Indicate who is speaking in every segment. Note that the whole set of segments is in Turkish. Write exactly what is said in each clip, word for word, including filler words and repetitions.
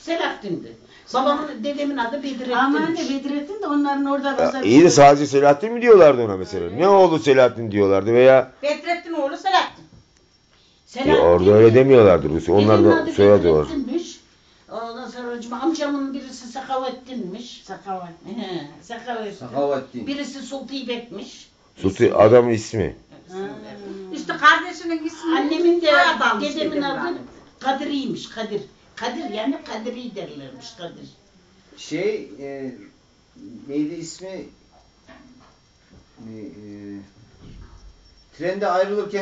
Speaker 1: Selahattin'di. Babamın, dedemin adı Bedrettin'miş.
Speaker 2: Aman ne Bedrettin de onların orada
Speaker 3: Ya, iyi de sadece Selahattin mi diyorlardı ona mesela? Ne oğlu Selahattin diyorlardı veya
Speaker 1: Bedrettin oğlu Selahattin.
Speaker 3: ya orada öyle demiyorlardı Rusya. Onlar
Speaker 1: Dedemin
Speaker 3: da
Speaker 1: adı
Speaker 3: soyadı var.
Speaker 1: Bedrettin'miş. Ondan sonra hocam, amcamın birisi Sakavettin'miş.
Speaker 2: Sakavattin.
Speaker 1: He, Sakavettin.
Speaker 4: Sakavattin.
Speaker 1: Birisi Sultibek'miş.
Speaker 3: Sulti adamın ismi.
Speaker 2: İşte kardeşinin ismi.
Speaker 1: Annemin de
Speaker 2: Soyadı
Speaker 1: dedemin
Speaker 2: dedim
Speaker 1: adı
Speaker 2: ben.
Speaker 1: Kadir'iymiş. Kadir. Kadir yani Kadiri derlermiş Kadir.
Speaker 4: Şey e, neydi ismi? E, e, trende ayrılırken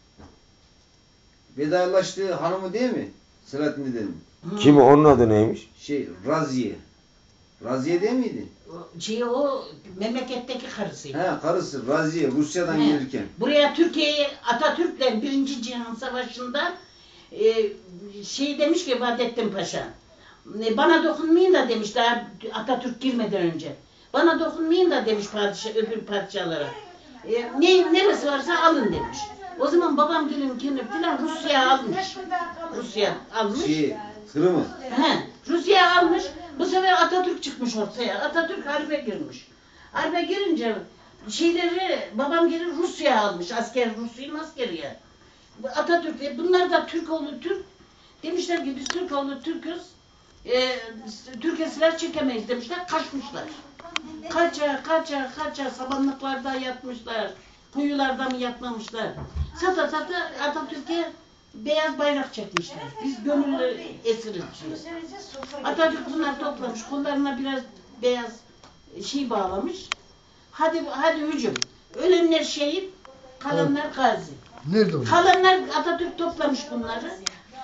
Speaker 4: vedalaştığı hanımı değil mi? Selahattin dedim.
Speaker 3: Kim o? Onun adı neymiş?
Speaker 4: Şey Raziye. Raziye değil miydi?
Speaker 1: Şey o memleketteki karısıydı.
Speaker 4: He karısı Raziye Rusya'dan
Speaker 1: He.
Speaker 4: gelirken.
Speaker 1: Buraya Türkiye'ye Atatürk'le Birinci Cihan Savaşı'nda e, şey demiş ki Vahdettin Paşa, e, bana dokunmayın da demiş daha Atatürk girmeden önce. Bana dokunmayın da demiş padişah, öbür padişahlara. E, ne, neresi varsa alın demiş. O zaman babam gelin gelin filan Rusya'ya almış. Rusya almış.
Speaker 4: Şey Kırım'ı.
Speaker 1: He, Rusya almış. Bu sefer Atatürk çıkmış ortaya. Atatürk harbe girmiş. Harbe girince şeyleri babam geri Rusya almış. Asker, Rus'un askeri ya. Bu Atatürk, bunlar da Türk oğlu Türk. Demişler ki biz Türk oğlu Türk'üz. E, Türkiye silah çekemeyiz demişler. Kaçmışlar. Kaça, kaça, kaça sabanlıklarda yatmışlar. Kuyularda mı yatmamışlar. Sata sata Atatürk'e beyaz bayrak çekmişler. Biz gönüllü esiriz. Atatürk bunları toplamış. Kollarına biraz beyaz şey bağlamış. Hadi hadi hücum. Ölenler şehit, kalanlar gazi.
Speaker 5: Nerede o?
Speaker 1: Kalanlar Atatürk toplamış bunları.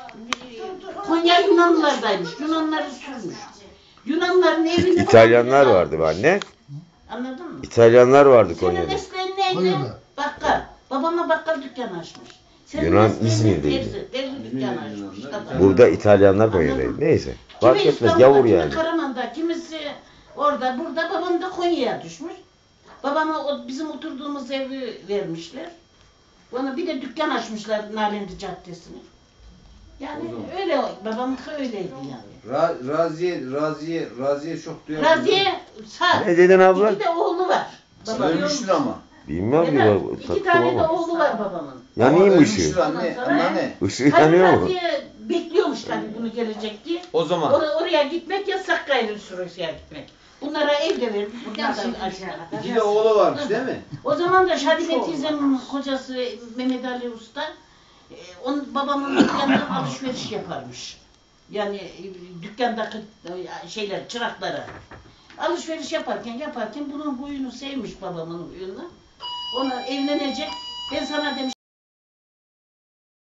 Speaker 1: Konya Yunanlılardaymış. Yunanları sürmüş. Yunanların evini...
Speaker 3: İtalyanlar vardı be anne.
Speaker 1: Anladın mı?
Speaker 3: İtalyanlar vardı
Speaker 1: Senin
Speaker 3: Konya'da.
Speaker 1: mesleğin neydi?
Speaker 5: Konya'da.
Speaker 1: Bakkal. Babama bakkal dükkanı açmış. Senin
Speaker 3: Yunan
Speaker 1: mesleğin
Speaker 3: İzmir'deydi.
Speaker 1: terzi, terzi dükkanı açmış. Katar.
Speaker 3: Burada İtalyanlar Konya'daydı. Neyse. Fark
Speaker 1: Kimi
Speaker 3: etmez.
Speaker 1: İstanbul'da,
Speaker 3: Gavur
Speaker 1: kimi
Speaker 3: yani.
Speaker 1: Karaman'da, kimisi orada, burada. Babam da Konya'ya düşmüş. Babama o, bizim oturduğumuz evi vermişler. Bana bir de dükkan açmışlar Nalindi Caddesi'ne. Yani öyle, babam öyleydi yani.
Speaker 4: Ra Raziye, Raziye, Raziye çok duyarlı.
Speaker 1: Raziye sağ.
Speaker 3: Ne dedin abla?
Speaker 1: İki de oğlu var. Babam.
Speaker 4: Ölmüştür ama.
Speaker 3: Bilmem ki.
Speaker 1: Neden?
Speaker 3: bak-
Speaker 1: İki
Speaker 3: taktım
Speaker 1: tane de
Speaker 3: ama.
Speaker 1: oğlu var babamın.
Speaker 3: Yanayım
Speaker 4: Ama
Speaker 3: ışığı.
Speaker 4: ölmüştür anne,
Speaker 1: Ondan sonra-
Speaker 4: anne.
Speaker 3: Işığı
Speaker 1: Tabii
Speaker 3: yanıyor mu?
Speaker 1: Raziye bekliyormuş tabii bunu gelecek diye.
Speaker 4: O zaman.
Speaker 1: Or oraya gitmek yasak gayrı Rusya'ya gitmek. Bunlara ev de verdik. Bunlar da açtık.
Speaker 4: İki de oğlu varmış değil mi?
Speaker 1: O zaman da Şadime teyzemin kocası Mehmet Ali Usta e, onun babamın dükkanından alışveriş yaparmış. Yani e, dükkandaki e, şeyler, çıraklara. Alışveriş yaparken yaparken bunun huyunu sevmiş babamın huyunu. Ona evlenecek. Ben sana demiş